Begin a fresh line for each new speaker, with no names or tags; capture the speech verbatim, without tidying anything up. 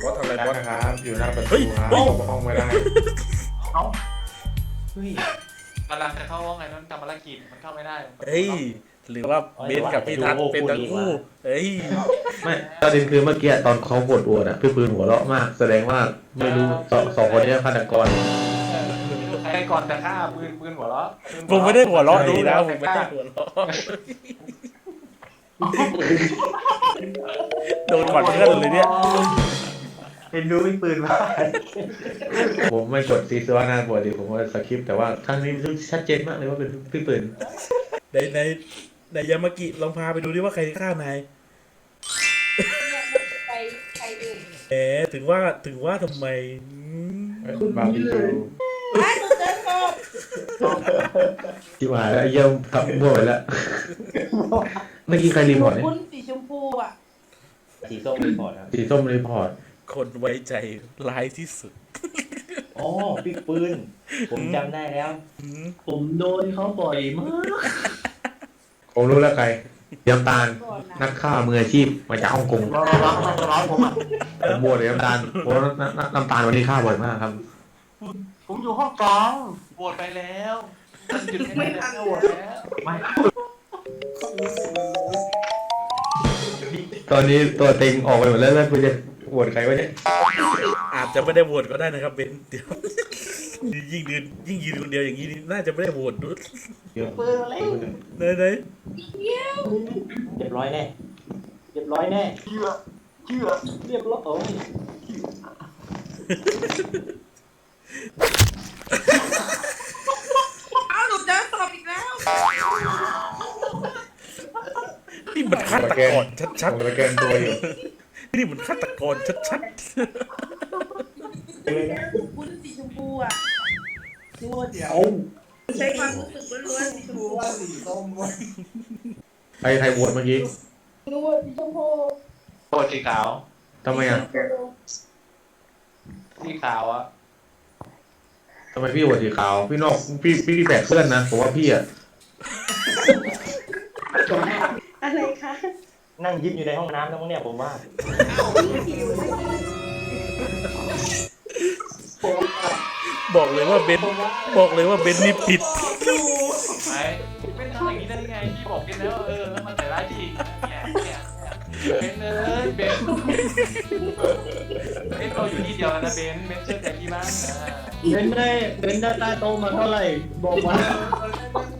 อสทำอะไรบอส
นะครับอยู่หน้าประ
เฮ้
ตู
ย
ครับ
เฮ้ย
เข้าห้องไม่ได้
เอ้าเฮ้ย
กำลังจะเข้าห้องไงนั่นทำภารกิจมันเข้าไม่ได้
เฮ้ยหรือว่าเบนกับพี่ทัศน์เป็นทั้งคู่เฮ้ย
ไม่ประเด็นคือเมื่อกี้ตอนเขากดอวดอะพี่ปืนหัวเราะมาก แสดงว่าไม่รู้สองสองคนนี้ฆาตกร
ใครก่อนจะฆ่าปืนปืนหัวเราะ
ผมไม่ได้หัวเราะดีนะผมไม่ได้หัวเราะโดนก่อนเพื่อนเลยเนี่ย
เห็นดูมีปืนมา
ผมไม่กดซีซัวหน้าบวชดิผมว่าสคริปต์แต่ว่าครั้งนี้ชัดเจนมากเลยว่าเป็นพี่ปืน
ในในในยามากิลองพาไปดูดิว่าใครฆ่านาย
ไปใครอื่น
แหมถึงว่าถึงว่าทำไมอืม
บาร์บีคิว
ร้านหนูเจอศพ
ที่มาแล้วเยี่ยมขับมั่วไปแล้วเมื่อกี้ใครรีพอร์ตเนี่ย
คุณสีชมพูอ่ะ
สีส้มรีพอร์ตครับ
สีส้มรีพอร์ต
คนไว้ใจร้ายที่สุด
อ๋อพี่ปืนผมจำได้แล้ว
อืม
ผมโดนเขาบ่อยมาก
ผมรู้แล้วใครยำตาล
ก่อนนะ
นักฆ่ามืออาชีพมาจากฮ่องกง
ร้องร้องมันร้องผมอ่ะ
ผมบวชเลยน้ำตาลเพราะว่าน้ำน้ำน้ำตาลวันนี้ฆ่าบ่อยมากครับ
ผมอยู่ห้องกลาง
โหวตไปแล้วหยุดไม่ได้แล้วโหวตแล้ว
ไม่
ตอนนี้ตัวเต็งออกไปหมดแล้วแล้วคุณจะบวชใครวะเนี่ย
อาจจะไม่ได้โหวตก็ได้นะครับเบนเดี๋ยวยิ่งยืนยิ่งยืนคนเดียวอย่างนี้นี่น่าจะไม่ได้โหวตดู
เดี๋ยว
ปืนอะไร
ไหนไหน
เรียบร้อยแน่เรียบร้อยแน่เชื่อเชื่อเรียบร้อยโอ้ย
อ้าวหนูเจอศพอีกแล้ว
นี่มันฆาตกรชัด
ผมสแกนตัวอยู่
ๆนี่มันฆาตกรชัด
คุณสีชมพูอ่ะ
เอา
ใช้ความรู้สึกล้วนๆสีชมพู
ใครใครบวชเมื่อกี้
รู้ว่าสีชมพู
โหวตสีขาว
ทำไมอ่ะ
สีขาวอ่ะ
ทำไมพี่บวชสีขาว พี่นอกพี่พี่พี่แปลกเพื่อนนะผมว่าพี่อ่ะ
อะไรคะ
นั่งยิ้มอยู่ในห้องน้ำแล้วมั้งเนี่ยผมว่า
ๆบอกเลยว่าเบนบอกเลยว่าเบนนี่ผิด
ไม่เป็นทำอย่างนี้ได้ยังไงพี่บอกกันแล้วเออแล้วมันใส่ร้ายพี่เนี่ยเนี่ยเป็นเลยเบนเบนเราอยู่ที่เดียวแล้วนะเบนเบนเชื่อใจพี่บ้างนะ
เบนได้เบนได้ใต้โต๊ะมาเท่าไหร่บอกมา